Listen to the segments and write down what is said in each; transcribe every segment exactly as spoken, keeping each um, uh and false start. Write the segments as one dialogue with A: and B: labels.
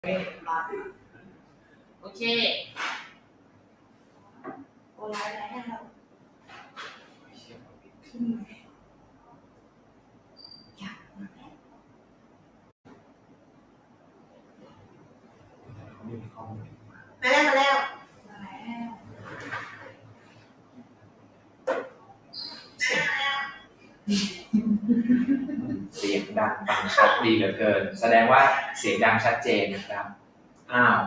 A: โอเค
B: โอนไลน์อะไรให้เราขึ้นมาอยากมาแล้วมาแล้วมาแล้วมาแล้ว
C: เสียงดังฟังชัดดีเหลือเกินแสดงว่าเสียงดังชัดเจนนะครับอ้าว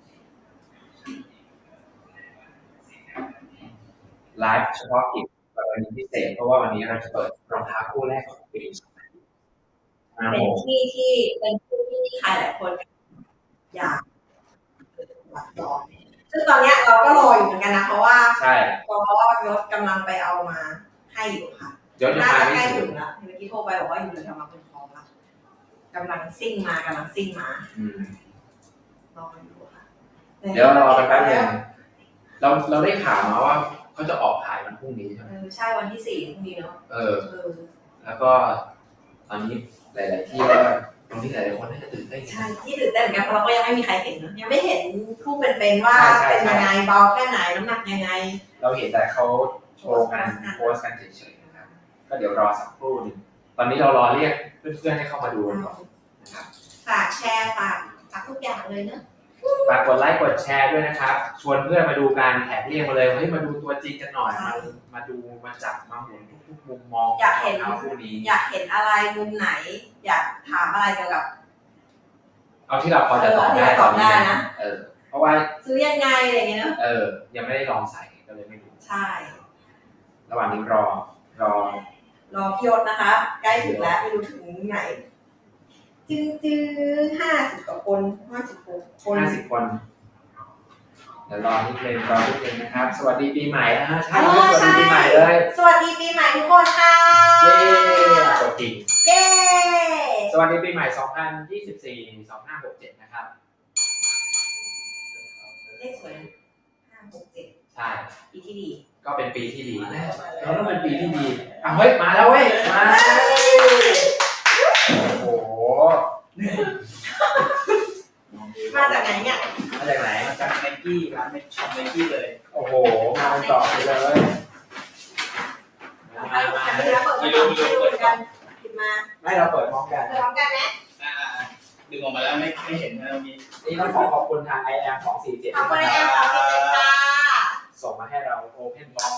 C: ไลฟ์เฉพาะกิจกรณีพิเศษเพราะว่าวันนี้เราจะเปิดรองเท้าคู่แรกของปี
B: เป็นที่ที่เป็นที่ที่ใครหลายคนอยากหลับรอซึ่งตอนนี้เราก็รออยู่เหมือนกันนะเพราะว่า
C: ใช่
B: ก็ยศกำลังไปเอามาให้อยู่ค่ะ
C: ยศ
B: น่า
C: มา
B: จะ
C: ไม่
B: ใกล้
C: ถึ
B: ถึ
C: ง
B: งแล้วเมื่อกี้โทรไปบอกว่าอยู่ในกำลังเป็นพร้อมแล้วกำลังซิ่งมากำลังซิ่งมา
C: อืม
B: รออยู่ค่ะ
C: เดี๋ยวรอกันแป๊บนึงเราเราได้ข่าวมาว่าเขาจะออกขายวันพรุ่งนี้ใช่ไหม
B: ใช่วันที่สี่พรุ่งนี้เนาะ
C: เออแล้วก็ตอนนี้หลายๆที่ก็ตรงที่หลายๆคนน่าจะตื่นเต้น
B: ใช่ที่ตื่นเต้นเหมือนกันเพราะเราก็ยังไม่มีใครเห็นนะยังไม่เห็นผู้เป็นๆว่าเป็นยังไงเบาแค่ไหนน้ำหนักยังไง
C: เราเห็นแต่เขาโชว์กันโพสกันเฉยๆนะครับก็เดี๋ยวรอสักครู่นึงตอนนี้เรารอเรียกเพื่อนๆให้เข้ามาดูก่อนนะครับ
B: ฝากแชร์ฝากฝากทุกอย่างเลยเนอะ
C: ฝากกดไลค์กดแชร์ด้วยนะครับชวนเพื่อนมาดูการแท็กเรียกมาเลยเฮ้ยมาดูตัวจริงกันหน่อยมามาดูมาจับมาหมุนทุกๆมุมมอง
B: อยากเห็น
C: คู่นี้
B: อยากเห็นอะไรมุมไหนอยากถามอะไรเกี่ยวกับ
C: เอาที่เราพอจะตอบได้
B: ตอบได้นะ
C: เออเพราะว่า
B: ซื้อยังไงอะไรเงี้ยเนอะ
C: เออยังไม่ได้ลองใส่ก็เลยไม่รู้
B: ใช่
C: ระหว่างนี้รอรอ
B: รอพี่ยศนะคะใกล้ถึงแล้วไม่รู้ถึงไหนจื้อจื้อห้าสิบกว่าคนห้าสิบหกคน
C: ห้าสิบคนเดี๋ยวรอนิดนึงรอนิดนึงนะครับสวัสดีปีใหม่นะฮะใช่สวัสดีปีใหม่เลย
B: สวัสดีปีใหม่ทุกคนค่ะ
C: เย้ตัวจริง
B: เย้
C: สวัสดีปีใหม่สองพันยี่สิบสี่ สองพันห้าร้อยหกสิบเจ็ดนะครับ
B: เลขสวยห้าหกเจ็ด
C: ใช่
B: ปีที่ดี
C: ก็เป็นปีที่ดีแล้วต้องเป็นปีที่ดีอ่ะเฮ้ยมาแล้วเว้ยมาโอ้โห
B: มาจากไหนเนี่ย
C: มาจากไหน
A: มาจากไนกี้ร้านช็อปไนกี้เลย
C: โอ้โหมาต่อไปเลย
B: มามาไม่รู้ไม่รู้กันกินมา
C: ไม่เราเปิดพร้อมกัน
B: เปิดพร้อมกันไหม
A: อ่าดึงออกมาแล้วไม่ไม่เห็นนะมี
C: นี่ต้องขอขอบคุณทาง ไอ แอม สองสี่เจ็ด
B: ขอบคุณไอแอมสองสี่เจ็ดค่ะ
C: ส่งมาให้เรา Open Box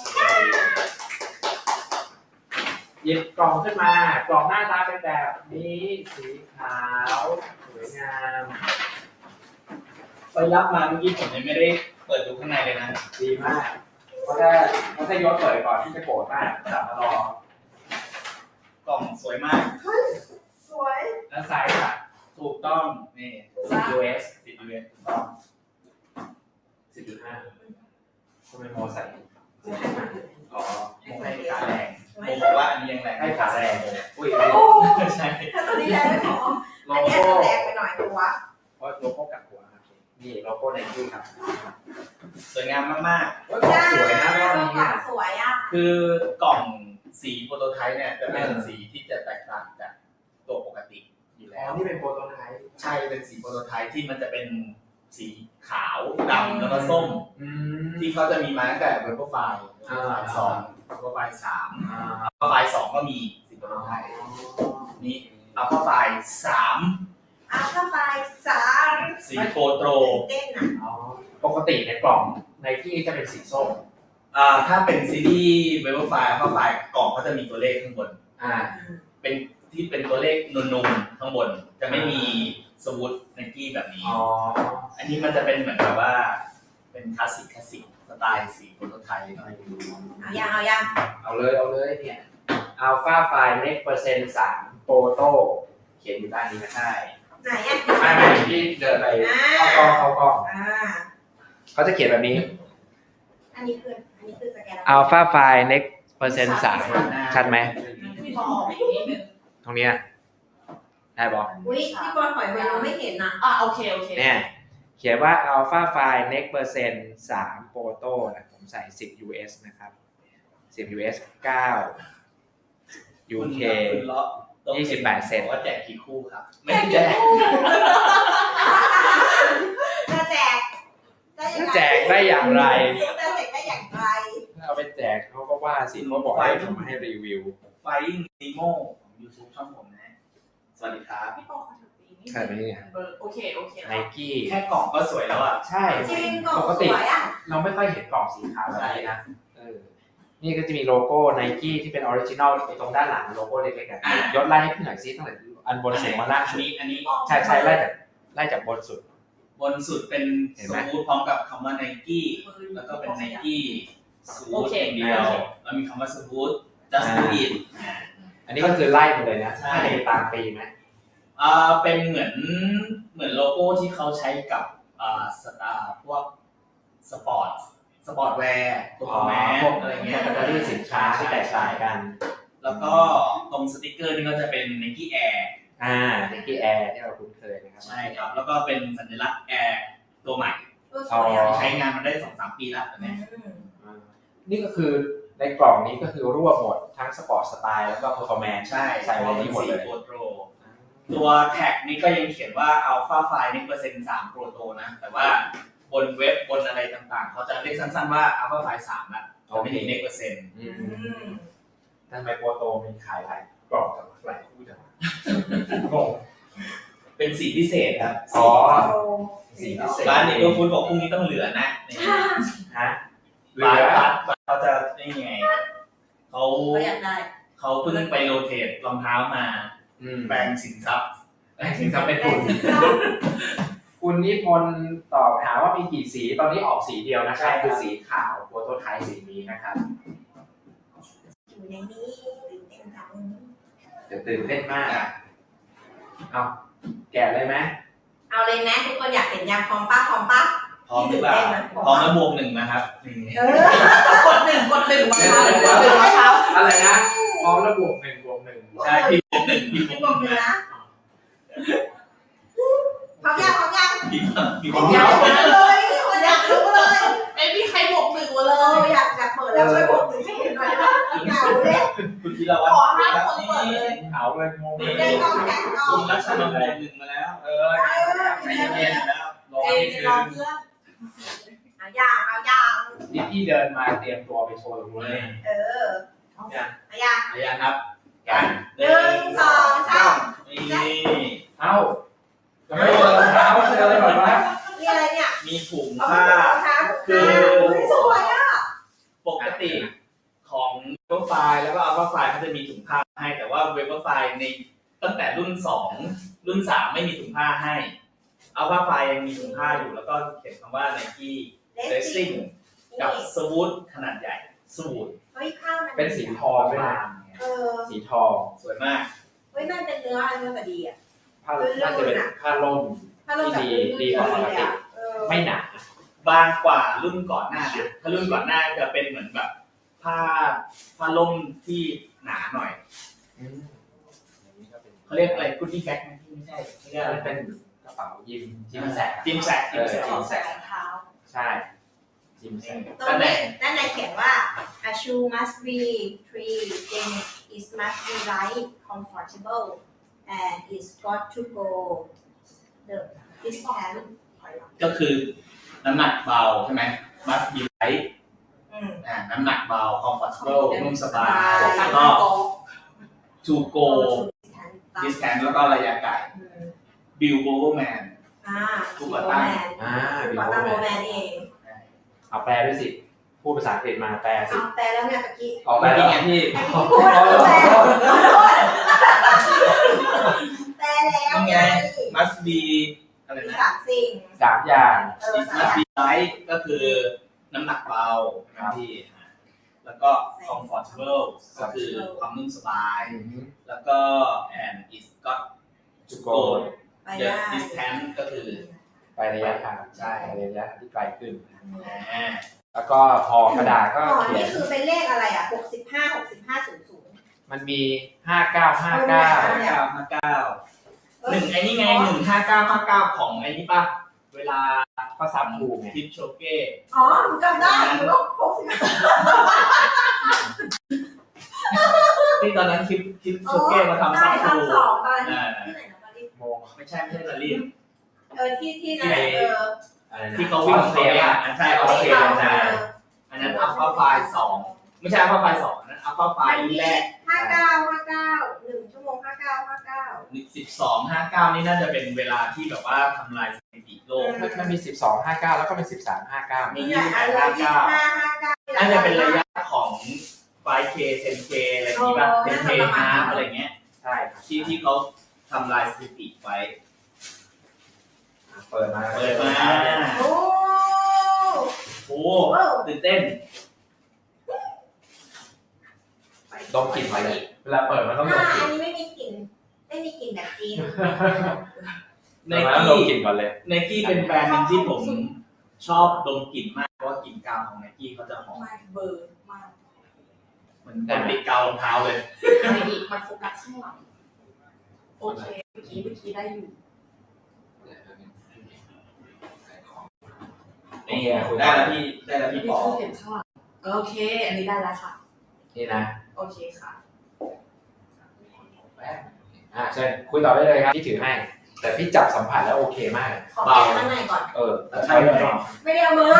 C: หยิบกล่องขึ้นมากล่องหน้าตาเป็นแบบนี้สีขาวสวยงาม
A: ไปรับมาเมื่อกี้ผมยังไม่ได้เปิดดูข้างในเลยนะ
C: ดีมากเพราะถ้าเพราะถ้ายศเปิดก่อนที่จะโกรธมากจับมาร
A: อกล่องสวยมาก
B: สวย
C: แล้วไซส์อ่ะ
A: ถูกต้องนี่
C: สิบ ยู เอส
A: สิบ ยู เอส ถูกต้อง
C: สิบจุดห้า ทำไมโมใส่
A: อ๋อโมให้ขาแรงโมบอกว่าอันนี้ยังแรง
C: ให้ขาแรงอุ้ย
B: โอ้
A: ใช่
B: ถ้าตัวนี้แรงไม่พออันนี้แรงไปหน่อยตัว
C: เพราะโลโก้กับหัวนี่โลโก้ไนกี้ครับ
A: สวยงามมาก
C: ๆสวยนะรอบนี้
B: สวยอ่ะ
A: คือกล่องสีโปรโตไทป์เนี่ยจะเป็นสีที่จะแตกต่างจากตัวปกติอยู่แล้ว
C: อ๋อนี่เป็นโปรโตไทป์
A: ใช่เป็นสีโปรโตไทป์ที่มันจะเป็นสีขาวดำแล้วก็ส้มที่เขาจะมีมาตั้งแต่เวอร์โปรไฟล์สองเวอร์โปรไฟล์สามเวอร์โปรไฟล์สองก็มีสีโปรโตไทป์นี่อัลฟาไฟล์สาม
B: อัลฟาไฟล์สาม
A: สีโปรโตร
B: เต้นอ่ะ
C: ปกติในกล่องในที่จะเป็นสีส้ม
A: อ่าถ้าเป็นซีรีส์เวอร์โปรไฟล์อัลฟาไฟล์กล่องเขาจะมีตัวเลขข้างบน
C: อ่า
A: เป็นที่เป็นตัวเลขนูนๆข้างบนจะไม่มีสวูดไนกี้แบบนี้
C: อ๋อ
A: อันนี้มันจะเป็นเหมือนแบบว่าเป็นคลาสสิกคลาสสิกสไตล์สีโปรโตไทป์
B: เอายังเอายัง
C: เอาเลยเอาเลยเนี่ยอัลฟาไฟล์เน็กเปอร์เซ็นต์สามโปรโตเขียนอยู่ด้านนี้นะใช่
B: ไหนอ่ะ
C: ไม่ไม่ที่เดินไปเข้ากล้องเข้ากล้องเขาจะเขียนแบบนี้
B: อันนี้คืออันนี้คือสแกน
C: อัลฟาไฟล์เน็กเปอร์เซ็นต์สามชัดไหมตรงนี้ได้บอก
B: อุ้ยที่บอลหอยเวลไม่เห็นนะ
A: อ่ะโอเคโอเค
C: เนี่ยเขียนว่า Alpha File Next Percent สาม Proto นะผมใส่สิบ ยู เอส นะครับสิบ ยู เอส เก้า ยู เค ยี่สิบแปดเซน
A: ว่าแจกกี่คู่ครับไม่แจก
C: ได้อย่างไร
B: จะเสร็จได้อย่างไร
C: เอาไปแจกเขาก็ว่าสิเขาบอกให้ผมให้รีวิว
A: Flying Nemo ของ YouTube ช่องผมนะ สวัสดีครับ
D: พี่ปอมาถึงปีนี้
C: ใช่ไหมเนี่ย
D: เบอร์โอเคโอเค
C: ไนกี้
A: แค่กล่องก็สวยแล้วอ่ะ
C: ใช่
B: จริงกล่อง
C: ปก
B: ส
C: ติ
B: วยอ่ะ
C: เราไม่ค่อยเห็นกล่องสีขาวแบบนี้นะเออนี่ก็จะมีโลโก้ไนกี้ที่เป็นออริจินอลตรงด้านหลังโลโก้เล็กๆอ่ะยศไล่ให้พี่หน่อยซิตั้งแต่อันบนสุดมาล่าง
A: อัน
C: สุด
A: นี้อันนี้
C: ใช่ใช่ไล่จากไล่จากบนสุด
A: บนสุดเป็น
C: เห็น
A: ส
C: ไหม
A: มูทพร้อมกับคำว่า Nike แล้วก็เป็น Nike สูทอย่างเดียวแล้วมีคำว่าสูท just do it
C: อันนี้ก็คือไล่มาเลยนะ
A: ใช่
C: ให้ตามปีไหม
A: อ่าเป็นเหมือนเหมือนโลโก้ที่เขาใช้กับอ่าสตาร์พวกสปอร์ตสปอร์ตแวร์ตัวคอมแมน
C: พวก
A: อะไร
C: แค
A: เงี้ย
C: ตตาล็อสินค้าที่แตกต่างกัน
A: แล้วก็ตรงสติกเกอร์นี่ก็จะเป็น Nike Air
C: อ่าไนกี้แอร์ที่เราคุ้นเคยนะครับ
A: ใช่ครับ แล้วก็เป็นสัญลักษณ์ Air ตัวใหม่
B: เออสวยอ่ะ
A: ใช้งานมาได้ สองสาม ปีแล้วตอน
B: อื
A: นี้
B: ม
C: อ่านี่ก็คือในกล่องนี้ก็คือรวบหมดทั้งสปอร์ตสไตล์แล้วก็เพอร์ฟอร์แมนซ์
A: ใช่
C: ใส่ไว้ที่หมดเลย
A: โปรโตรตัวแท็กนี้ก็ยังเขียนว่า Alpha File นี่เปอร์เซ็นต์สามโปรโตนะ แต่ว่าบนเว็บบนอะไรต่างๆ เขาจะเรียกสั้นๆว่า Alpha File สามนะจะไม่ได้เน็กเปอร์เซ็นต์
C: อื
B: อื
C: ม
B: ม
C: ทำไมโปรโตมีขายหลายกล่องกับหลายคู่จังวะงง
A: เป็นสีพิเศษครับ
C: อ๋อ
B: สี
C: สีพิเศษ
A: ร้านเนเบอร์ฟูดบอกพรุ่งนี้ต้องเหลือนะ
C: ฮะเหลื
A: ร้าน
C: อ
A: ร้านเขาจะนี่ไงเขา
B: ก็อยากได้
A: เขาเพิ่งไปโรเทตรองเท้ามา
C: อืม
A: แปลงสินทรัพย์แปลงสินทรัพย์เป็นทุน
C: คุณนิพนธ์ตอบถามว่ามีกี่สีตอนนี้ออกสีเดียวนะครับคือสีขาวโปรโตไทป์สีนี้นะครับ
B: อยู่ในนี้ตื่นเต้นจัง
C: เดี๋ยวตื่นเต้นมากเอาแกะเลยไหม
B: เอาเลยนะทุกคนอยากเห็นยางพร้อมป้าพร้อมป้า
A: พร้อมหรือเปล่าพร้อมแล้วบวกหนึ่งนะครับนี่
B: เออก
D: ดหนึ่งกดหนึ่งมาเช้ากดหนึ่งมาเช้า
C: อะไรนะพร้อมแล้วบวกหนึ่งบวกหนึ่ง
A: ใช่พี่บวกหนึ่งพี่บ
B: พี่
A: ว
B: บ
A: ก
B: อก
A: ห
B: เล
A: นึ่ง
B: ย
A: นะ
B: นะพร้อมยังพร้อมยัง
A: พี่พี่
D: ผม
A: บ
D: อยาก
A: วก
D: รู้
B: เลยคนอยากรู้เลย
D: ไม่มีใครบวกหนึ่งมาเล
B: เออย อยากอยากเปิดแล้วช่วยบอกหนึ่งให้เห็นหน่อยนะเหงาเลย
A: คุณธีรวัฒ
D: ขอ
A: น์
D: ห้า
A: ครับ
D: คน
A: นี่
D: เปิดเลย
C: เอาเลยงงเล
B: ได้
C: ย
B: กล้องแกะกล้อ
A: คุ
B: ง
A: ณรัชนนท์บวกหนึ่งมาแล้ว
C: เออใจเย็นๆแล้วรอ
D: เจ
C: นิด
D: น
C: นึ
D: รอง เพื่อน
B: เอาย่างเอาย่าง
C: นี่พี่เดินมาเตรียมตัวไปโชว์ตรงนู้นเลย
B: เออ
C: เนี่ย
B: เอาย่าง
A: อายังครับ
C: กัน
B: หนึ่งสองสาม
A: นี่
C: เอ้าจะไม่เดินรองเท้าเดินแบบว่า
B: นี่อะไรเนี่ย
A: มีถุง
B: เอา
A: ผ้า
B: ผ้าคือสวยอ่ะ
A: ปกติของเว็บไฟล์แล้วก็อัลฟาไฟล์เขาจะมีถุงผ้าให้แต่ว่าเว็บไฟล์ในตั้งแต่รุ่นสองรุ่นสามไม่มีถุงผ้าให้อัลฟาไฟล์ยังมีถุงผ้าอยู่แล้วก็เขียนคำว่า Nike
B: เลสซิ่ง
A: Racing กับสวูดขนาดใหญ่สวูด
B: เฮ้ยข้าวมัน
C: เป็นสีทองด้วยนะ
B: เออ
C: สีทอง
A: สวยมาก
B: เฮ้ยมันเป็นเนื้อเนื้อแต่ดีอ่ะ
C: ผ้าน่าจะเป็นผ้าล่ม
B: ถ้าเราแบบ
C: ดีดีกว่าปกติ
B: เออ
C: ไม่หนา
A: บางกว่ารุ่นก่อนหน้านะถ้ารุ่นก่อนหน้าจะเป็นเหมือนแบบผ้าผ้าล่มที่หนาหน่อย
C: อืมอันนี้ก็เป็น
A: เขาเรียกอะไรกุดดี้แบ็คไหมไม่ใช่เขาเรียกอะไร
C: เป็นกระเป๋ายิมจิมแสก
A: จิมแซกจิมแซก
D: ขอใส่รองเท้า
C: ใช่จิมแสก
B: ตรงนี้ด้านในเขียนว่า a shoe must be three then it must be light comfortable and it's got to go the distance
A: ก็คือน้ำหนักเบาใช่ไหม must be light
B: อืม
A: อ่าน้ำหนักเบา comfortable นุ่มสบาย
B: สบาย
A: แล้วก็ to go
B: distance
A: distance แล้วก็ระยะไกล
B: อืม
A: Bill Bowerman
B: อ่า
A: ผู้ก่อตั้ง
C: อ่า
B: ผู้
C: บิ
B: ก่อ
C: ว
B: ตั้งโม
C: แม
B: แม
C: น
B: นเอง
C: เอาแปลด้วยสิพูดภาษาอังกฤษมาแปลสิ
B: เอาแปลแล้วเนี่ยตะกี้
C: เอาแปลแล้วไงพี่
B: พูดแล้วแปลขอโทษแปลแล้ว
A: นี่
B: ไง
A: ไง must be อะไร
B: มี
A: นะ
B: สามสิ่ง
C: สามอย่าง
B: เออ
A: it
B: สาม
A: must be light ก็คือน้ำหนักเบาใช่ไหมพี่แล้วก็ comfortable ก็คือความนุ่มสบาย แล้วก็ and it's got
C: จุโก
A: go
B: ไป
A: the
B: ได้
A: distance ก็คือ
C: ไประยะทาง
A: ใช่
C: ไประยะที่ไกลขึ้น
A: อ่า
C: แล้วก็พอกระดาษก็
B: อ๋อ
C: เขีย
B: นี่
C: น
B: คือเป็นเลขอะไรอ่ะหกสิบห้า หกสิบห้า ศูนย์ ศูนย์
C: มันมีห้าเก้าห้าเก้า
A: ห้าเก้าห้าเก้าหนึ่งไอ้นี่ไงหนึ่งห้าเก้าห้าเก้าของไอ้นี่ป่ะ เวลา
C: ก็สามถูกไง
A: ทิปโชเก้
B: อ๋อหนูจำได้หนูว่าหกสิบห้า
A: ที่ตอนนั้นทิปทิปโชเก้มาทำ
B: ได้
A: ซับทู
B: ทำสองตอน
A: อ่า
B: ที่ไหนนะตอนนี้
C: โม
A: ไม่ใช่ไม่ใช่ลาลิน
B: เออที่ที่นั่นแหละเออ
C: อ่าอะไรนะ
A: ที่เขาวิ่งของเขาเนี่ยอันใช่ออสเตรเลียนะอันนั้นอัลฟาไฟล์สองไม่ใช่อัลฟาไฟล์สองอันนั้นอัลฟาไฟล์รุ่นแรก
B: ห้าเก้าห้าเก้าหนึ่งชั่วโมงห้าเก้าห้าเก้า
A: สิบสองห้าเก้านี่น่าจะเป็นเวลาที่แบบว่าทำลายสถิติโลก
C: มันมีสิบสองห้าเก้าแล้วก็เป็นสิบสามห้าเก้า
A: มี
B: นี่แหละอันละยี่สิบห้าห้าเก้า
A: น่าจะเป็นระยะของ ไฟว์ เค เท็น เค อะไรอย่างนี้ป่ะ เท็น เค ฮาร์ฟอะไรเงี้ย
C: ใช่ครับ
A: ที่ที่เขาทำลายสถิติไว้
C: เปิดมา
A: เปิดมา
B: โอ้
A: โอ้ตื่นเต้น
C: ดมกลิ่นมาเลยเวลาเปิดมันต้องด
B: อ่าม
C: กลิ่
B: อั
C: น
B: นนี้ไม่มีกลิ่นไม่มีกลิ่นแบบจีน
A: ไน
C: แล้ว
A: กี้
C: ดมกลิ่นก่อนเลย
A: ไนกี้เป็นแบรนด์หนึงที่ผมชอบดมกลิ่นมากเพราะว่ากลิ่นกาวของไนกี้เขาจะหอม
D: มากเบอร์มาก
A: เหมือนคนติดกาวรองเท้าเลย
D: อะไรอีกมันโฟกัสข้างหลังโอเคเมื่อกี้เมื่อกี้ได้อยู่
A: นี่ได้แล้วพี่ได้แล้วพี่ปอ
D: ไม่เห็นข้างหลังโอเค อันนี้ได้แล้วค่ะ
C: นี่นะ
D: โอเคค่ะ
C: อ่าเชิญคุยต่อได้เลยครับพี่ถือให้ แต่พี่จับสัมผัสแล้วโอเคมาก
B: ขอแกะข้างในก่อน
C: เออ
A: แล้วใช่ไหม
B: ไม่ได้เอามือ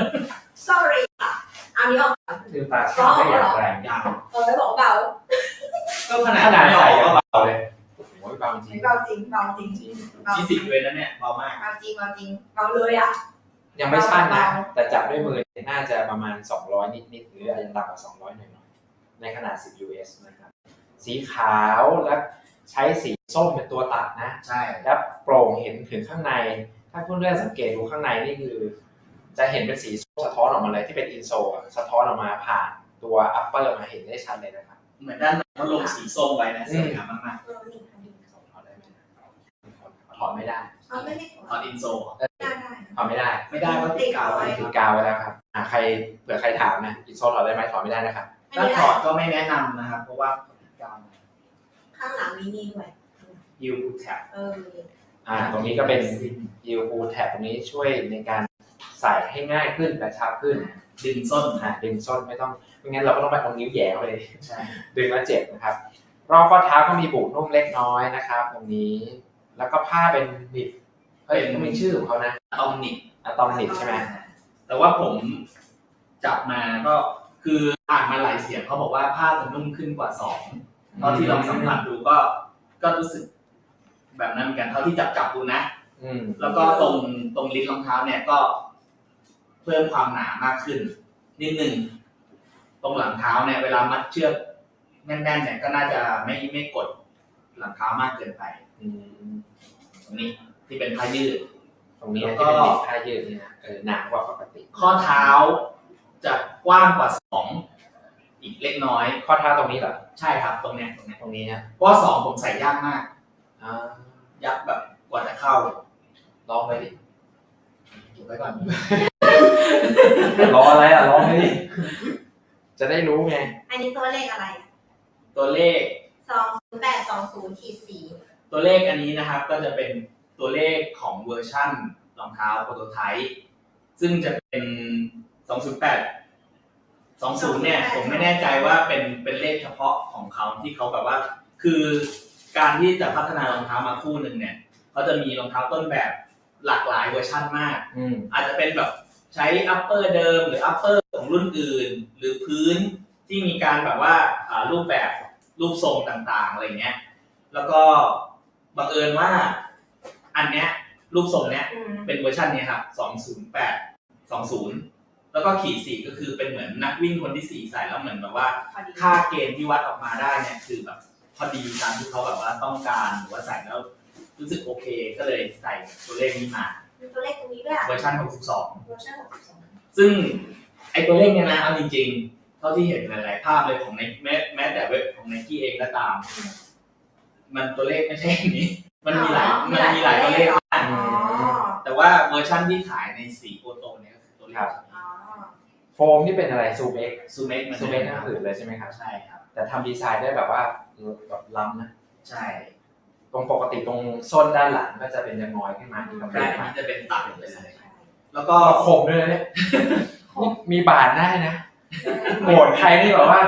B: sorry ค่ะเอานี้ออกก่อน
C: ลืมตาช่างได้อย่างแรง
A: ยัง
B: เออไม่บอกเบา
A: ก็ขนาด
C: ขนาด
A: ไม่อ
C: ใส่
A: อก
C: ก็
A: ก็
C: เบาเลยโอ้ยเบาจริง
B: เบาจริงเบาจริงเบา
A: ยี่สิบเลยนะเนี่ยเบามาก
B: เบาจริงเบาจริงเบาเลยอ่ะ
C: ยังไม่สั้นนะ แต่จับด้วยมือน่าจะประมาณสองร้อยนิดๆหรืออาจจะต่ำกว่าสองร้อยหน่อยๆในขนาดสิบ ยู เอส นะครับ สีขาวและใช้สีส้มเป็นตัวตัดนะ
A: ใช่
C: แล้วโปร่งเห็นถึงข้างใน ถ้าเพื่อนๆสังเกตดูข้างในนี่คือ จะเห็นเป็นสีส้มสะท้อนออกมาเลยที่เป็นอินโซลสะท้อนออกมาผ่านตัวอัปเปอร์มาเห็นได้ชัดเลยนะครับ
A: เหมือนด้านในเขาลงสีส้มไว้นะสวยงามมาก
B: เออนี่ค่ะนี่
C: ถอดได้ไหมถอดไม่ได้
B: เอาไม่ได้
A: ๆตอนอินโซ
B: ได้ได้
C: ถอดไม่ได้
A: ไม่ได้ก็ติดกาวไว้
C: ติดกาวไว้แล้วครับอ่าใครเผื่อใครถามนะอินโซลถอดได้ไหมถอดไม่ได้นะครับ
B: ไม่
A: ถ้า
B: ได้
A: ถอดก็ไม่แนะนำนะครับ เพราะว่าติดกาว
B: ข้างหลังมีนี่ด้วย
A: ฮิวแท็บ
B: เออ
C: อ่าตรงนี้ก็เป็น ยู พู แท็บตรงนี้ช่วยในการใส่ให้ง่ายขึ้นกระชับขึ้น
A: ดึงส้น
C: อ่าดึงส้นไม่ต้องไม่งั้นเราก็ต้องไปเอานิ้วแหย่เข้าไป
A: ใช่
C: ดึงแล้วเจ็บนะครับรอบข้อเท้าก็มีบุนุ่มเล็กน้อยนะครับ ตรงนี้แล้วก็ผ้าเป็นนิบเฮ้ยมันมีชื่อของเขานะ
A: ตอมนิก
C: อะตอมนิบใช่ไหม
A: แต่ว่าผมจับมาก็คืออ่านมาหลายเสียงเขาบอกว่าผ้าจะนุ่มขึ้นกว่าสองเท่าที่ลองสัมผัสดูก็ก็รู้สึกแบบนั้นเหมือนกันเท่าที่จับจับดูนะ
C: อืม
A: แล้วก็ตรงตรงลิ้นรองเท้าเนี่ยก็เพิ่มความหนามากขึ้นนิดนึงตรงหลังเท้าเนี่ยเวลามัดเชือกแน่นๆเนี่ยก็น่าจะไม่ไม่กดหลังเท้ามากเกินไป
C: อืม
A: ตรงนี้ที่เป็นผ้ายืด
C: ตรงนี้
A: แล้ว
C: นะ
A: ก็
C: ที่เป็นนิบผ้ายืดนี่นะเออหนากว่าปกติ
A: ข้อเท้าจะกว้างกว่าสองอีกเล็กน้อย
C: ข้อเท้าตรงนี้เหรอ
A: ใช่ครับตรงเนี้ยตรงเนี้ย
C: ตรงนี้นะ
A: เพราะว่าสองผมใส่ยากมาก
C: อ่า
A: ยักแบบกว่าจะเข้า
C: ลองเลยดิ
A: เก็บไว้ก่อน
C: รออะไรอ่ะลองเลยดิจะได้รู้ไง
B: อันนี้ตัวเลขอะไร
A: ตัวเลข
B: สองศูนย์แปดสองศูนย์ขีดสี่
A: ตัวเลขอันนี้นะครับก็จะเป็นตัวเลขของเวอร์ชั่นรองเท้าโปรโตไทป์ซึ่งจะเป็น สองศูนย์แปด สองศูนย์เนี่ยผมไม่แน่ใจว่าเป็นเป็นเลขเฉพาะของเขาที่เขาแบบว่า คือการที่จะพัฒนารองเท้ามาคู่หนึ่งเนี่ยเขาจะมีรองเท้าต้นแบบหลากหลายเวอร์ชั่นมาก
C: อืม
A: อาจจะเป็นแบบใช้อัปเปอร์เดิมหรืออัปเปอร์ของรุ่นอื่น หรือพื้นที่มีการแบบว่าอ่ารูปแบบรูปทรงต่างๆอะไรเงี้ยแล้วก็บังเอิญว่าอันเนี้ยรูปทรงเนี้ย
B: อืม
A: เป็นเวอร์ชันเนี้ยครับสองศูนย์แปด สองศูนย์แล้วก็ขีดสี่ก็คือเป็นเหมือนนักวิ่งคนที่สี่ใส่แล้วเหมือนแบบว่า
B: พอดี
A: ค่าเกณฑ์ที่วัดออกมาได้เนี่ยคือแบบพอดีตามที่เขาแบบว่าต้องการหรือว่าใส่แล้วรู้สึกโอเคก็เลยใส่ตัวเลขนี้มา
B: มีตัวเลขตรงนี้ด้วยอะ
A: เวอร์ชันหกสิบสอง
B: เวอร์ชันหกสิบสอง
A: ซึ่งไอตัวเลขเนี่ยนะเอาจริงๆเท่าที่เห็นหลายๆภาพเลยของในแม้แม้แต่เว็บของ Nike เองก็ตาม มันตัวเลขไม่ใช่อย่างนี้ มันมีหลายมันมีหลายตัวเลขมาก
B: อ๋อ
A: แต่ว่าเวอร์ชันที่ขายในสีโอโตเนี่ยก็คือตัวเลข
B: อ๋อ
C: โฟมนี่เป็นอะไรซูเอ็ก
A: ซูเมกมัน
C: ซูเอ็กนั่นผืนเลยใช่ไหมครับ
A: ใช่ครับ
C: แต่ทำดีไซน์ได้แบบว่าแบบล้ำนะ
A: ใช่
C: ตรงปกติตรงส้นด้านหลังก็จะเป็นยังน้อยขึ้นมาที่กำแพ
A: ใช่
C: ง
A: อัน
C: มา
A: นี้จะเป็นตัดไปเลย
B: ใช่
A: แล้วก็
C: ก็คมด้วยนะเนี่ยนี่มีบาดได้นะโหดใครนี่แบบว่า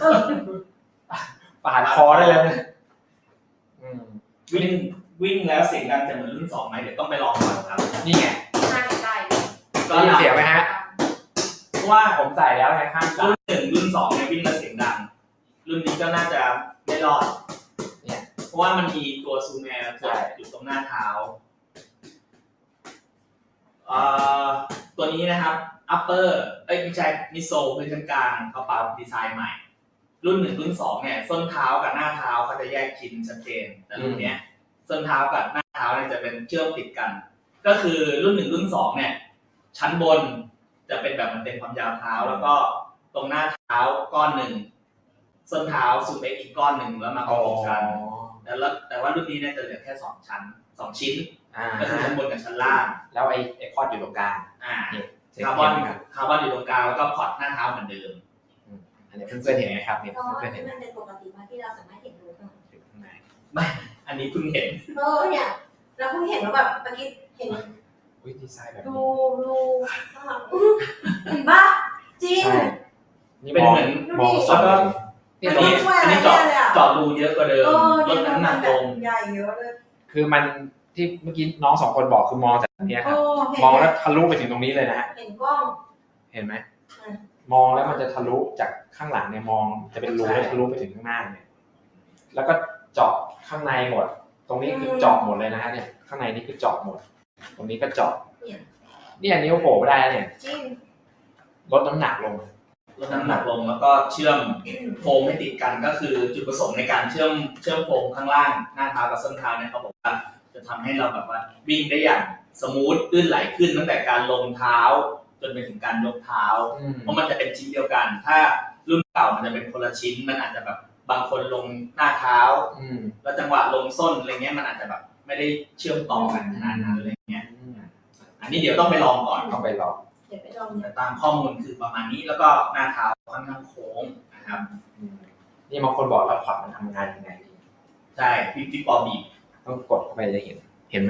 C: ปาดคอได้เลยนะอืม
A: วิ่งวิ่งแล้วเสียงดังจะเหมือนรุ่นสองไหมเดี๋ยวต้องไปลองก่อนครับ
C: นี่ไง
D: น่าจะได้
C: ได้ยินเสียงไหมฮะ
A: เพราะว่า
C: ผมใส่แล้วไงข้างซ้า
A: รุ่
C: ย
A: นหนึ่งรุ่นสองเนี่ยวิ่งแล้วเสียงดัง รุ่นนี้ก็น่าจะไม่รอด
C: เนี่ย
A: เพราะว่ามันมีตัวซูมแอร์ตัวอยู่ตรงหน้าเท้าเอ่อตัวนี้นะครับ upper เอ้ยไม่ใช่มิโซพื้นชั้นกลางเขาปรับดีไซน์ใหม่ รุ่นหนึ่งรุ่นสองเนี่ยส้นเท้ากับหน้าเท้าเขาจะแยกชิ้นชัดเจนแต่รุ่นเนี้ยส้นเท้ากับหน้าเท้าเนี่ยจะเป็นเชื่อมติดกัน ก็คือรุ่นหนึ่งรุ่นสองเนี่ยชั้นบนจะเป็นแบบมันเต็มความยาวเท้า แล้วก็ตรงหน้าเท้าก้อนหนึ่งส้นเท้าซูเปกอีกก้อนหนึ่งแล้วมาประกบกันแต่ละแต่ว่ารุ่นนี้เนี่ยจะเหลือแค่สองชั้นสองชิ้น
C: อ่า
A: ก็คือชั้นบนกับชั้นล่าง
C: แล้วไอ้ไอ้พอดอยู่ตรงกลาง
A: อ่า
C: นี่
A: คาร์บอนคาร์บอนอยู่ตรงกลางแล้วก็พอร์ตหน้าเท้าเหมือนเดิม
C: อันนี้เพื่อนๆเห็นไหมครับเนี่ย
B: ก็
C: เพื่อนๆเห็นไหม
B: มันเป็นปกติมากที่เราสามารถเห็นรูป
C: อยู่ข้างใน
A: อันนี้เพิ่งเห็น
B: เออเนี่ยเราเพิ่งเห็นว่าแบบเมื่อกี้เห็น
C: อุ้ยดีไซน์แบบ
B: ดู
C: นี้
B: ดูข้างหลังเห็นปะจริง
C: ใช่นี่
A: เป็น
C: มอง
A: เหมือน
C: มองส
A: แล้ว
C: ด
A: ก็
C: นี่
B: อัน
C: ตรง
B: นี้
C: นี้
B: ช่วยอะไร
A: อันนี้
B: ได้
A: เจาะ
B: เลยอ่ะ
A: เจาะรูเยอะกว่าเดิม
B: เออ
A: ลดน้ำหนักลง
B: ใหญ่เยอะเลย
C: คือมันที่เมื่อกี้น้องสองคนบอกคือมองจากตรงนี้ค
B: โอ้
C: รับ
B: เห็น
C: มองแล้วทะลุไปถึงตรงนี้เลยนะฮะ
B: เห็นกล้อง
C: เห็นไหม
B: อืม
C: มองแล้วมันจะทะลุจากข้างหลังเนี่ยมองจะเป็นรูแล้วทะลุไปถึงข้างหน้าเนี่ยแล้วก็เจาะข้างในหมด ตรงนี้คือเจาะหมดเลยนะฮะเนี่ยข้างในนี่คือเจาะหมด ตรงนี้ก็เจาะเนี่ยนิ้วโผล่ไม่ได้เนี่ย
B: จริง
C: ลดน้ำหนักลง
A: ลดน้ำหนักลงแล้วก็เชื่อมโฟมให้ติดกันก็คือจุดประสงค์ในการเชื่อมเชื่อมโฟมข้างล่างหน้าเท้ากับส้นเท้าเนี่ยเขาบอกว่าจะทำให้เราแบบว่าวิ่งได้อย่างสมูทลื่นไหลขึ้นตั้งแต่การลงเท้า จนไปถึงการยกเท้า เพราะมันจะเป็นชิ้นเดียวกัน ถ้ารุ่นเก่ามันจะเป็นคนละชิ้นมันอาจจะแบบบางคนลงหน้าเท้า
C: อืม
A: แล้วจังหวะลงส้นอะไรเงี้ยมันอาจจะแบบไม่ได้เชื่อมต่อกันขนาดนั้นอะไรเงี้ย
C: อืม
A: อันนี้เดี๋ยวต้องไปลองก่อน
C: ต้องไปลอง
B: เดี๋ยวไปลอง
A: แต่ตามข้อมูลคือประมาณนี้แล้วก็หน้าเท้าค่อนข้างโค้งนะครับ
C: อืมนี่บางคนบอกแล้วพอร์ตมันทำงานยังไงดี
A: ใช่พี่พี่ปอบีบ
C: ต้องกดเข้าไปจะเห็น เห็นไหม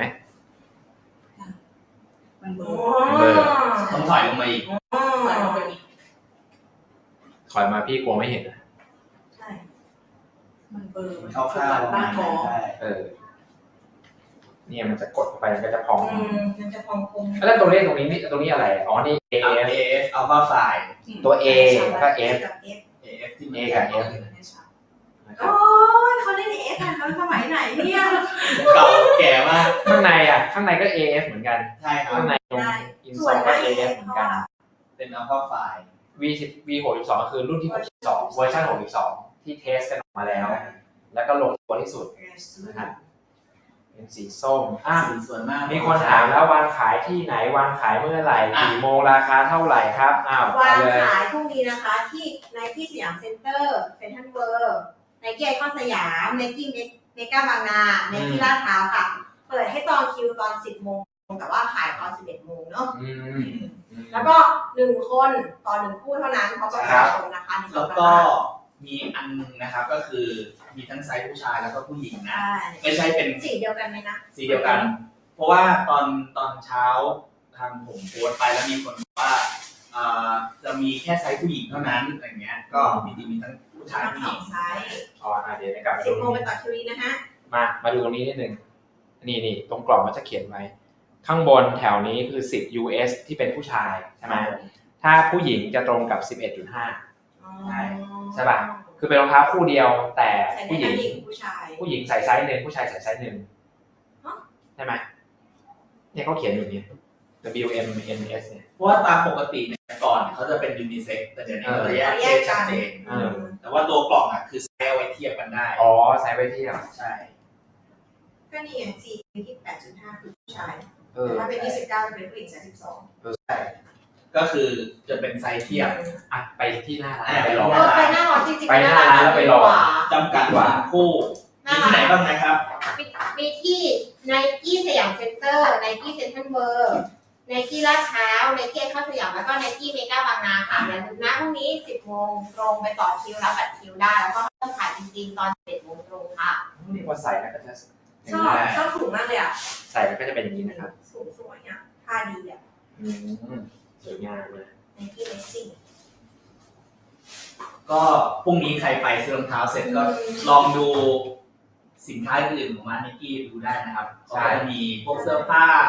D: มันเบล
B: อ๋
D: อ
B: อ
C: เบอร์
A: ต้องถอยลงมาอีก
B: อ๋อ
D: ปล่อยลงไปอีก
C: ถอยมาพี่กลัวไม่เห็นนะ
B: ใช่
D: มันเบลอมัน
A: คร่าวๆประ
D: บ้า
A: มาณ
D: ท้อ
A: นั้น
D: ง
A: ใช่
C: เออ เนี่ยมันจะกดเข้าไปมันก็จะพอง
B: อืมมันจะพองคม
C: แล้วตัวเลขตรงนี้นี่ตรงนี้อะไร อ๋อ นี่ A
A: เอ
C: F
A: เอฟอัลฟาไฟล์
C: ตัว A แล้วก็ F
B: กับ F
A: เอเอฟที่
C: A
A: มัน
C: กับ F นะครั
B: โอ้
C: บ
B: ยเขาเล่น F กันเขาสมัยไหนเนี่ย
A: เก่าแก่มาก
C: ข้างในอ่ะ ข้างในก็ A F เหมือนกัน
A: ใช่ครับ
C: ข้างในตรง
B: ได้
C: อิน
B: ส
C: โซ
B: วย
C: ก็
B: มาก
C: A
B: เอ
C: F
B: ฟ
C: เหมือ
B: เพ
C: น
B: ราะ
C: กัน
B: ว่า
A: เป็นอัลฟาไฟล์
C: V สิบ V หกสิบสองคือรุ่นที่หกสิบสองเวอร์ชันหกสิบสองที่เทสกันออกมาแล้ว แล้วก็ลงตัวที่สุดนะครับเป็นสีส้มอ่ะ
A: สีสวยมาก
C: มีคนถามแล้ววางขายที่ไหนวางขายเมื่อไหร่กี่โมงราคาเท่าไหร่ครับอ้าว
B: วาง
C: เลย
B: ขายพรุ่งนี้นะคะที่ Nike สยามเซ็นเตอร์เซ็นทรัลเวิลด์ Nike ไอคอนสยาม Nike เมกาบางนา Nike ลาดพร้าวค่ะ เปิดให้จองคิวตอน สิบโมงแต่ว่าขายตอน สิบเอ็ดโมงเนาะ
C: อืมอืม
B: แล้วก็หนึ่งคนต่อหนึ่งคู่เท่านั้นเพราะประชาชนนะคะ
A: แล้วก็มีอันนึงนะครับก็คือมีทั้งไซส์ผู้ชายแล้วก็ผู้หญิงนะ
B: ใช่
A: ไม่ใช่เป็น
B: สีเดียวกันไหมนะ
A: สีเดียวกัน เพราะว่าตอนตอนเช้าทางผมโพสต์ไปแล้วมีคนบอกว่าอ่าจะมีแค่ไซส์ผู้หญิงเท่านั้นอะไรเงี้ย ก็จริงๆมีทั้งผู้ชาย
B: ทั้ง
A: ผู้
B: ส
A: ห
B: อ
A: ญิ
B: ง
A: ง
B: ไซส์
C: อ๋ออ่ะเดี๋ยวกลับมา
B: สิ
C: ดู
B: บโมงไป
C: นี่
B: ต่อคิวนี้นะฮะ
C: มามาดูตรงนี้นิดนึงนี่นี่ตรงกล่องมันจะเขียนไว้ ข้างบนแถวนี้คือสิบ ยู เอส ที่เป็นผู้ชายใช่ไหมถ้าผู้หญิงจะตรงกับ สิบเอ็ดจุดห้า ใช่ใช่ป่ะ คือเป็นรองเท้าคู่เดียวแต่
B: ใส่ได้
C: ผู้หญิ
B: ทั้
C: ง
B: งหญิงผู้ชาย
C: ผู้หญิงใส่ไซส์หนึ่งผู้ชายใส่ไซส์หนึ่ง
B: ฮะ
C: ใช่ไหมเนี่ยเขาเขียนอยู่เนี่ย W M N S เนี่ย
A: เพราะว่าตามปกติเนี่ยก่อนเขาจะเป็นยูนิเซ็กแต่เดี๋ยวนี้เขาจะแยกเพศชัดเจน
C: เออ
A: แต่ว่าตัวกล่องอ่ะคือไซส์เอาไว้เทียบกันได้
C: อ๋อไซส์ไว้เที่ยว
A: ใช่
B: ก็นี่ไงสี่ที่แปดจุดห้าคือผู้ชาย
C: เออ
B: ถ้าเป็นยี่สิบเก้าจะเป็นผู้หญิงสามสิบสอง
A: ใช่ก็คือจะเป็นไซส์เทียบ
C: อ่ะไปที่หน้าร้าน
A: อ่ะ
C: ไปลอง
B: เออไปหน้าร้านจริงๆ
C: ไปหน้าร้านแล้วไปลอง
B: ดีกว่า
A: จำกัดว่าคู่มีที่ไหนบ้างนะครับ
B: มีที่ Nike สยามเซ็นเตอร์ Nike เซ็นทรัลเวิลด์ Nike ลาดพร้าว Nike ไอคอนสยามแล้วก็ Nike เมกาบางนาค่ะอย่าลืมนะพรุ่งนี้ สิบโมงตรงไปต่อคิวรับบัตรคิวได้ แล้วก็เริ่มขายจริงๆ ตอน สิบเอ็ดโมงตรงค่ะ
C: นี่พอใส่แล้วก็จะ
B: ชอบชอบถุงมากเลยอ่ะ
C: ใส่แล้วก็จะเป็นอย่างนี้นะครับ
B: สูงสวยอ่ะผ้าดีอ่ะ
C: อืมสวยงามเลย
B: Nike Racing
A: ก็พรุ่งนี้ใครไปซื้อรองเท้าเสร็จก็ลองดูสินค้าอื่นของร้านนิกกี้ดูได้นะครับก็จะมีพวกเสื้อผ้า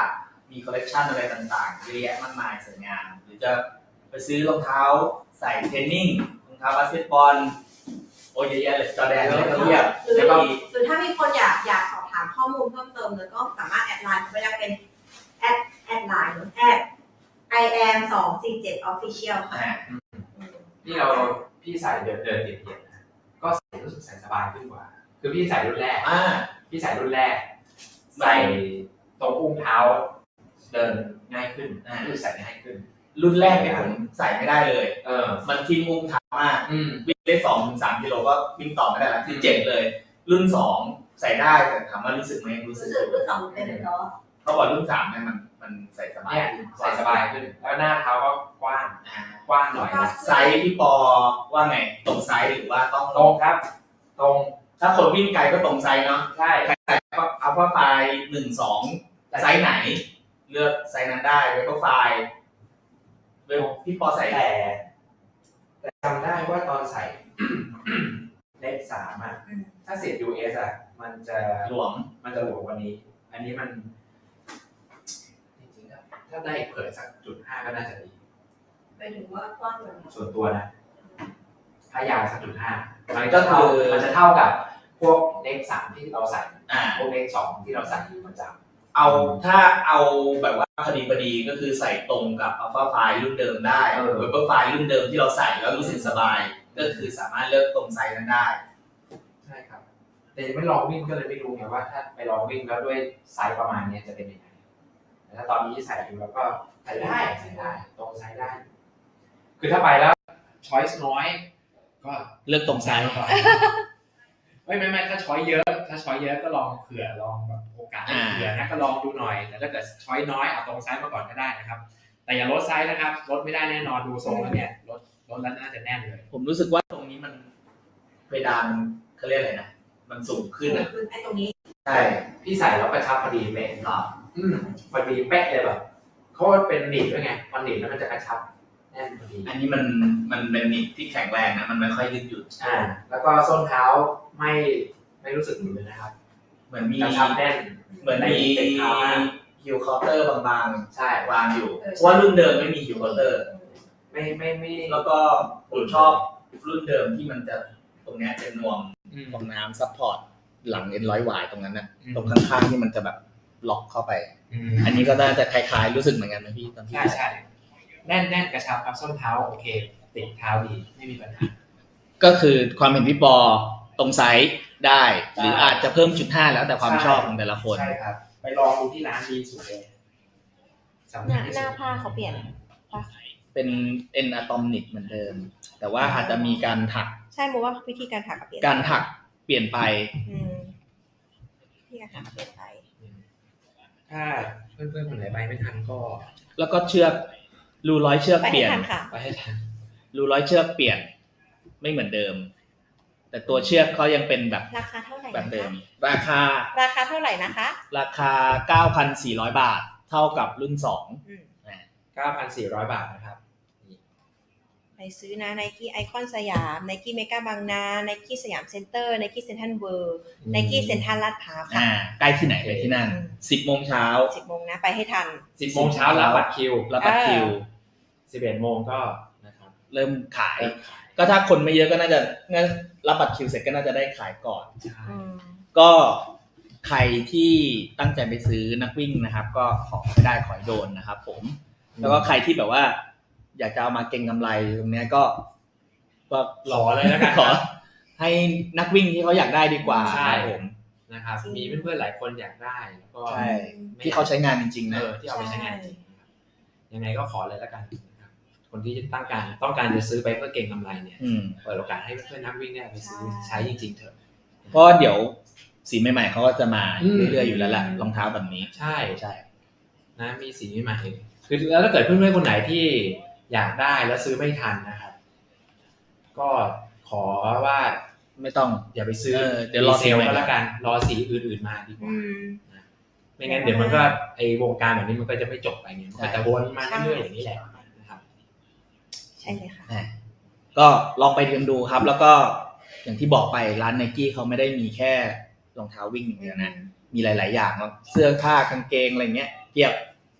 A: มีคอลเลกชันอะไรต่างๆเยอะแยะมากมายสวยงามหรือจะไปซื้อรองเท้าใส่เทรนนิ่งรองเท้าบาสเกตบอลโอ้ยเยอะแยะเลยจอแดนเลยก็เรียบ
B: หรือ
A: แล้วก็มี
B: หรือถ้ามีคนอยากอยากสอบถามข้อมูลเพิ่มเติมเลยก็สามารถแอดไลน์เขาไปได้เป็นแอดแอดไลน์แอด I am สองสี่เจ็ด official ค่ะ
A: อ่า
C: นี่เราพี่ใส่เดินเดินเย็นๆนะก็ใส่รู้สึกใส่สบายขึ้นกว่า คือพี่ใส่รุ่นแรก
A: อ่า
C: พี่ใส่รุ่นแรก ใส่ตรงอุ้งเท้าเดินง่ายขึ้นคือใส่ง่ายขึ้น
A: รุ่นแรกเนี่ยผมใส่ไม่ได้เลย
C: เออ
A: มันทิ้งอุ้งเท้ามาก
C: อืม
A: วิ่งได้สองถึงสามกิโลก็วิ่งต่อไม่ได้แล้วคือเจ็บเลย รุ่นสองใส่ได้แต่ถามว่ารู้สึกไหมรู้สึ
B: รู้
A: ก
B: สึกรุ่นสองเป็นเลยเนาะ
A: เพราะว่ารุ่นสามเนี่ยมันมันใส่สบาย
C: เนี่ย
A: ขึ้น
C: ใส่สบายขึ้น แล้วหน้าเท้าก็กว้าง
A: อ่าก
C: ว้างหน่อยนะ
A: ไซส์พี่ปอว่าไงตรงไซส์หรือว่าต้อง
C: ตรงครับ ตรง
A: ถ้าคนวิ่งไกลก็ตรงไซส์เนาะ
C: ใช่
A: ใครใส่อัลฟาไฟหนึ่งสองไซส์ไหน เลือกไซส์นั้นได้เวลไฟเวลพี่ปอใส่
C: แต่แต่จำได้ว่าตอนใส่ เลขสามอ่ะ
B: อืม
C: ถ้าสิบ ยู เอส อ่ะ มันจะ
A: หลวม
C: มันจะหลวมกว่านี้ อันนี้มันจริงๆถ้าถ้าได้เผยสักจุดห้าก็น่าจะดี
B: ไปถึงว่ากว้างกว่านี้
C: ส่วนตัวนะ ถ้ายาวสักจุดห้ามันก็คือมันจะเท่ากับพวกเลขสามที่เราใส่
A: อ่า
C: พวกเลขสองที่เราใส่อยู่ประจำ
A: เอาถ้าเอาแบบว่าพอดีพอดีก็คือใส่ตรงกับอัลฟาไฟรุ่นเดิมได้
C: เออ
A: เวลไฟรุ่นเดิมที่เราใส่แล้วรู้สึกสบาย ก็คือสามารถเลือกตรงไซส์นั้นได้
C: ใช่ครับ แต่ยังไม่ลองวิ่งก็เลยไม่รู้ไงว่าถ้าไปลองวิ่งแล้วด้วยไซส์ประมาณนี้จะเป็นยังไงแต่ถ้าตอนนี้ใส่อยู่แล้วก็ใส่ได้ใส่ได้ตรงไซส์ได้ คือถ้าไปแล้วช้อยส์น้อย ก็
A: เลือกตรงไซส์
C: ไม่ไม่ไม่ถ้าช้อยเยอะ ถ้าช้อยเยอะก็ลองเผื่อลองแบบโอกาสให้เผื่อนะก็ลองดูหน่อย แต่ถ้าเกิดช้อยน้อยเอาตรงไซส์มาก่อนก็ได้นะครับ แต่อย่าลดไซส์นะครับลดไม่ได้แน่นอนดูทรงแล้วเนี่ยลดลดแล้วน่าจะแน่นเลย
A: ผมรู้สึกว่าตรงนี้มันเพดานเขาเรียกอะไรนะมันสูงขึ้นอ่ะ
B: คือไอ้ตรงนี้
A: ใช่
C: พี่ใส่แล้วกระชับพอดีเป๊ะ
A: หรอ
C: อืมพอดีเป๊ะเลยแบบเขาเป็นหนีบด้วยไงพอหนีบแล้วมันจะกระชับแน่นพอดี
A: อันนี้มันมันเป็นนิดที่แข็งแรงนะมันไม่ค่อยยืดหยุ่น
C: อ่า แล้วก็ส้นเท้าไม่ไม่รู้สึกหนืดเลยนะครับ
A: เหมือนมี
C: กระชับแน่น
A: เหมือนมี
C: เต็มเท้ามาก
A: ฮิลคอร์เตอร์บาง
C: ใช่
A: ๆวางอยู่เพราะว่ารุ่นเดิมไม่มีฮิลคอร์เตอร์
C: ไม่ไม่ไม่
A: แล้วก็ผมชอบรุ่นเดิมที่มันจะตรงเนี้ยเป็นนวม
C: อืม
A: ตรงน้ำซัพพอร์ตหลังเอ็นร้อยหวายตรงนั้นนะ
C: อืม
A: ตรงข้างๆที่มันจะแบบล็อกเข้าไป
C: อืม
A: อันนี้ก็น่าจะคล้ายๆรู้สึกเหมือนกันนะพี่ตอนที่
C: ใช่ใช่แน่นแน่นกระชับครับส้นเท้าโอเคติดเท้าดีไม่มีปัญหา
A: ก็คือความเห็นพี่ปอตรงไซส์ได้ หรืออาจจะเพิ่มจุดห้าแล้วแต่ความชอบของแต่ละคน
C: ใช่ครับ ไปลองดูที่ร้านดีสุดเลยสำ
B: ห
C: คั
B: น้า
C: ญที่
B: ห
C: สุ
B: น้า
C: ด
B: ผ้าเขาเปลี่ยน
A: เป็นเอ็นอะตอมิกเหมือนเดิม แต่ว่าอาจจะมีการถัก
B: ใช่มูว่าวิธีการถักเปลี่ยน
A: การถักเปลี่ยนไป
B: อืมวิธีการถักเปลี่ยนไป
C: ถ้าเพื่อนๆคนไหนไปไม่ทันก็
A: แล้วก็เชือกรูร้อยเชือก
B: ไป
A: เป
B: ให้
A: ลี่ยน
B: ทันค่ะ
C: ไปให้ทัน
A: รูร้อยเชือกเปลี่ยนไม่เหมือนเดิม แต่ตัวเชือกเขายังเป็นแบบ
B: ราคาเท่าไหร่
A: แบบ
B: นะ
A: เดิม
B: คะ
A: ราคา
B: ราคาเท่าไหร่นะคะ
A: ราคา เก้าพันสี่ร้อย บาท เท่ากับรุ่นสอง
B: อืม
C: เก้าพันสี่ร้อย บาทนะครับ
B: ไปซื้อนะ Nike ไอคอนสยาม Nike เมกาบางนา Nike สยามเซ็นเตอร์ Nike เซ็นทรัลเวิลด์ Nike เซ็นทรัลลาดพร้าวค่ะ
A: อ่าใกล้ที่ไหนไปที่นั่น
B: อืม
A: สิบโมงเช้า
B: สิบโมงนะไปให้ทัน
C: สิบโมงเช้ารับบัตรคิว
A: รับบัตรคิว
C: สิบเอ็ดโมงก็นะครับ
A: เริ่มขาย
C: เริ่มขาย
A: ก็ถ้าคนไม่เยอะก็น่าจะงั้นรับบัตรคิวเสร็จก็น่าจะได้ขายก่อน
C: ใช่
B: อืม
A: ก็ใครที่ตั้งใจไปซื้อนักวิ่งนะครับ ก็ขอไม่ได้ขอให้โดนนะครับผม แล้วก็ใครที่แบบว่า อยากจะเอามาเก็งกำไรตรงเนี้ยก็ก็
C: รอเลยแล้วกัน
A: ขอให้นักวิ่งที่เขาอยากได้ดีกว่า
C: ใช่
A: ครับผม
C: นะครับ มีเพื่อนๆหลายคนอยากได้แล้วก็
A: ใช่ที่เขาใช้งานจริงๆ
C: เอ
A: นะ
C: อที่เอาไปใช้งานจริงนะครับยังไงก็ขอเลยแล้วกันนะครับคนที่ตั้งการต้องการจะซื้อไปเพื่อเก็งกำไรเนี่ย
A: อืม
C: เปิดโอกาสให้เพื่อนๆนักวิ่งเนี่ยไปซื้อใช้จริงๆเถอะ
A: เพราะเดี๋ยวสีใหม่ๆเขาก็จะมา
C: อืม
A: เรื่อยๆอยู่แล้วแหละรองเท้าแบบนี้
C: ใช่
A: ใช่
C: นะมีสีใหม่ๆคือแล้วถ้าเกิดเพื่อนๆคนไหนที่อยากได้แล้วซื้อไม่ทันนะครับ ก็ขอว่า
A: ไม่ต้อง
C: อย่าไปซื้อ
A: เออเดี๋ยวรอ
C: เซ
A: สี
C: ล
A: ใหม่
C: ก็แล้วกันรอสีอื่นๆมาดีกว่า
B: อืม
C: ไม่งั้นเดี๋ยวมันก็ไอวงการแบบนี้มันก็จะไม่จบไปไงมันก็จะวนมาเรื่อยๆอย่างนี้แหละนะครับ
B: ใช่เลยค่ะ
A: อ่ะก็ลองไปเรียนดูครับ แล้วก็อย่างที่บอกไปร้านไนกี้เขาไม่ได้มีแค่รองเท้าวิ่งอย่างเดียวนะ มีหลาย ๆ อย่างเนาะเสื้อผ้ากางเกงอะไรเงี้ยเทียบ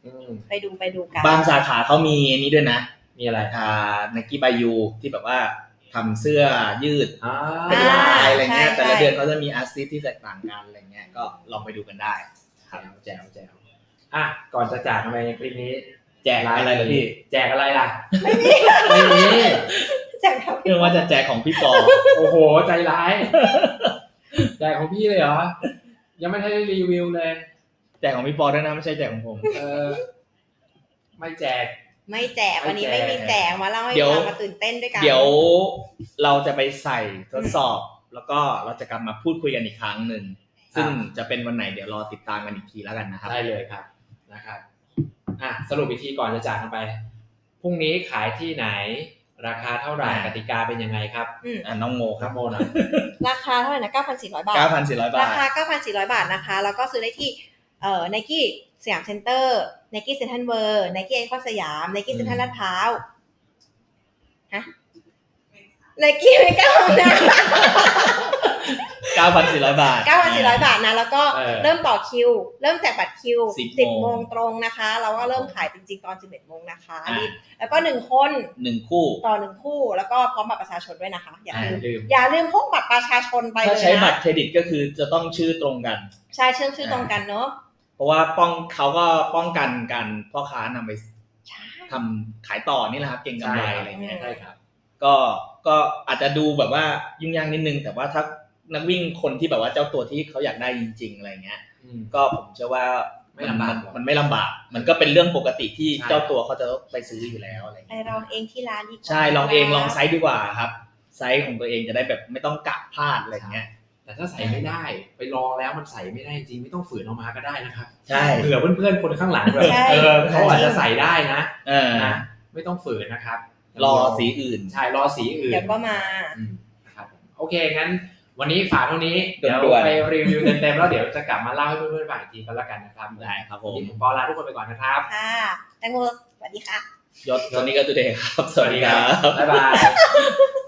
C: อืม
B: ไปดูไปดูกัน
A: บางสาขาเขามีอันนี้ด้วยนะ
C: มีอะไร
A: อ่า Nike by You ที่แบบว่าทำเสื้อยืด
C: อ่า
A: เป็นลายอะไรเงี้ย
B: ใช่
A: แต่ละ
B: ใช่
A: เดือนเขาจะมีอาร์ติสที่แตกต่างกันอะไรเงี้ยก็ลองไปดูกันได้
C: แจ๋วแจ๋วแจ๋วอ่ะก่อนจะจากกันไปในคลิปนี้
A: แจกอะไรเหรอพี่
C: แจกอะไรล่ะ ไม่มีไม่มี
B: แจากครับ
A: เรื่องว่าจะแจกของพี่ปอ
C: โอ้โหใจร้ายแจกของพี่เลยเหรอยังไม่ทันได้รีวิวเลย
A: แจกของพี่ปอด้วยนะไม่ใช่แจกของผม
C: เออไม่แจก
B: ไม่แจกวันนี้
C: ไม่
B: ไม่
C: แจก
B: มีแจกมาเล่าให้
A: เดี๋ยว
B: ฟังมาตื่นเต้นด้วยกัน
A: เดี๋ยวเราจะไปใส่ทดสอบ แล้วก็เราจะกลับมาพูดคุยกันอีกครั้งหนึ่งซึ่งจะเป็นวันไหนเดี๋ยวรอติดตามกันอีกทีแล้วกันนะครับ
C: ได้เลยครับนะครับอ่ะสรุปอีกทีก่อนจะจากกันไปพรุ่งนี้ขายที่ไหน ราคาเท่าไหร่
A: อ่า
C: กติกาเป็นยังไงครับ
B: อืม
A: อ่ะน้องโมค
C: ครั
A: รั
C: บบ โมหน่อย
B: ราคาเท่าไหร่นะ เก้าพันสี่ร้อย บาท
A: เก้าพันสี่ร้อย บา
B: รา
A: ท
B: คา เก้าพันสี่ร้อย บาทนะคะ แล้วก็ซื้อได้ที่เอ่อ Nike สยามเซ็นเตอร์ Nike เซ็นทรัลเวิลด์ Nike ไอคอนสยาม Nike เซ็นทรัลลาดพร้าวฮะ Nike ไม่กล้านะ
A: เก้าพันสี่ร้อย บาท
B: เก้าพันสี่ร้อย บาทนะ แล้วก็
C: เออ
B: เริ่มต่อคิว เริ่มแจกบัตรคิว
A: สิบ
B: สิบ
A: โมง
B: โมงตรงนะคะ แล้วก็เริ่มขายจริงๆตอนสิบเอ็ดโมงนะคะอัน
A: อ่า
B: นี้แล้วก็หนึ่งคน
A: หนึ่งคู่
B: ต่อหนึ่งคู่ แล้วก็พร้อมบัตรประชาชนด้วยนะคะ อย่า
A: อ่า
B: ลืม
C: ลืม
B: อย่าลืมพกบัตรประชาชนไปเล
A: ถ้าย ใช้บัต
B: นะ
A: รเครดิตก็คือจะต้องชื่อตรงกัน
B: ใช่เชื่อมชื่อตรงกันเนอะ
A: เพราะว่าป้องเขาก็ป้องกันการพ่อค้านำไป
B: ใช่
A: ทำขายต่อนี่แหละครับเก่งกำไรอะไรเงี้ย
C: ใช่ครับ
A: ก็ก็อาจจะดูแบบว่ายุ่งยากนิดนึง แต่ว่าถ้านักวิ่งคนที่แบบว่าเจ้าตัวที่เขาอยากได้จริงๆอะไรเงี้ย
C: อืม
A: ก็ผมเชื่อว่า
C: ไม่ลำบาก
A: นมันไม่ลำบาก มันก็เป็นเรื่องปกติที่
C: ใช่
A: เจ้าตัวเขาจะไปซื้ออยู่แล้วอะไร
B: ไป
A: เงี้ย
B: ลองเองที่ร้านดีกว่า
A: ใช่ลองเองลองไซส์ดีกว่าครับ ไซส์ของตัวเองจะได้แบบไม่ต้องกะพลาดอะไรเงี้ย
C: แต่ถ้าใส่ไม่ได้ ไปลองแล้วมันใส่ไม่ได้จริงไม่ต้องฝืนออกมาก็ได้นะครับ
A: ใช่
C: เผื่อเพื่อนๆคนข้างหลังแบบ
B: ใช่
C: เออเขาอาจจะใส่ได้นะ
A: เออ
C: นะไม่ต้องฝืนนะครับ
A: รอสีอื่น
C: ใช่รอสีอื่น
B: เดี๋ยวก็มา
C: อืมนะครับโอเคงั้นวันนี้ฝากเท่านี้
A: ด่
C: เดี๋ยว
A: วนๆ
C: ไปรีวิวเต็มๆแล้วเดี๋ยวจะกลับมาเล่าให้เพื่อนๆฟังอีกทีก็แล้วกันนะครับ
A: ได้ครับผม
C: วันนี้ผมปอลาทุกคนไปก่อนนะครับ
B: ค่ะแตงโมสวัสดีค่ะ
A: ยศตอนนี้ก็ตัวเดย์ครับ สวัสดีครับ
C: บ๊ายบาย